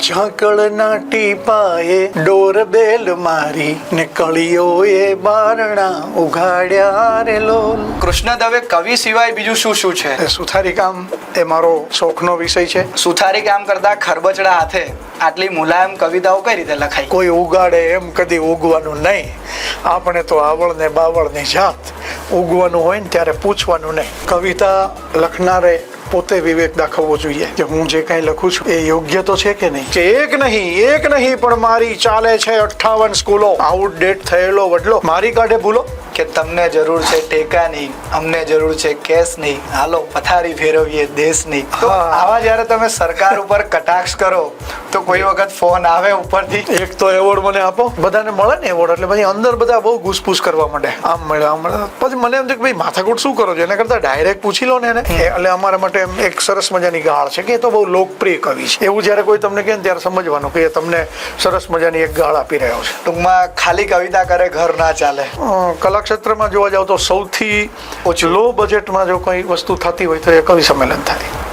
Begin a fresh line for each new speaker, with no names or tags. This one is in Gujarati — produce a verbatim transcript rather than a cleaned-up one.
ઝાકળના ટીપાએ ડોરબેલ મારી ને કળીઓએ બારણા ઉઘાડ્યા રે લોલ.
કૃષ્ણ દવે કવિ સિવાય બીજું શું શું છે?
એ સુથારી કામ એ મારો શોખનો વિષય છે.
સુથારી કામ કરતા ખરબચડા હાથે આટલી મુલાયમ કવિતાઓ કઈ રીતે લખાય?
કોઈ ઉગાડે એમ કદી ઉગવાનું નહીં. આપણે તો આવળ ને બાવળ ની જાત. ઉગવાનું હોય ને ત્યારે પૂછવાનું નહીં. કવિતા લખનારે પોતે વિવેક દાખવવો જોઈએ કે હું જે કઈ લખું છું એ યોગ્ય તો છે કે નહીં. કે એક નહીં એક નહીં પણ મારી ચાલે છે અઠ્ઠાવન સ્કૂલો. આઉટડેટ થયેલો વડલો મારી કાઢે ભૂલો.
કે તમને જરૂર છે ટેકાની, અમને જરૂર છે કેસની, હાલો પથારી ફેરવીએ દેશની. તો આવા જ્યારે તમે સરકાર ઉપર કટાક્ષ કરો તો કોઈ વખત ફોન આવે ઉપરથી?
એક તો એવોર્ડ મને આપો. બધાને મળે ને એવોર્ડ એટલે પછી અંદર બધા બહુ ઘૂસપૂસ કરવા માંડે. આમ મળે આમ મળે. પછી મને એમ થાય કે ભાઈ માથાકૂટ શું કરો છો, એના કરતા ડાયરેક્ટ પૂછી લો ને એને. એટલે અમારા માટે એક સરસ મજાની ગાળ છે કે એ તો બહુ લોકપ્રિય કવિ છે. એવું જયારે કોઈ તમને કહે ને ત્યારે સમજવાનું કે તમને સરસ મજાની એક ગાળ આપી રહ્યો છે.
ટૂંકમાં ખાલી કવિતા કરે ઘર ના ચાલે.
કલાક્ષેત્રમાં જોવા જાવ તો સૌથી લો બજેટમાં જો કોઈ વસ્તુ થતી હોય તો એ કવિ સંમેલન થાય.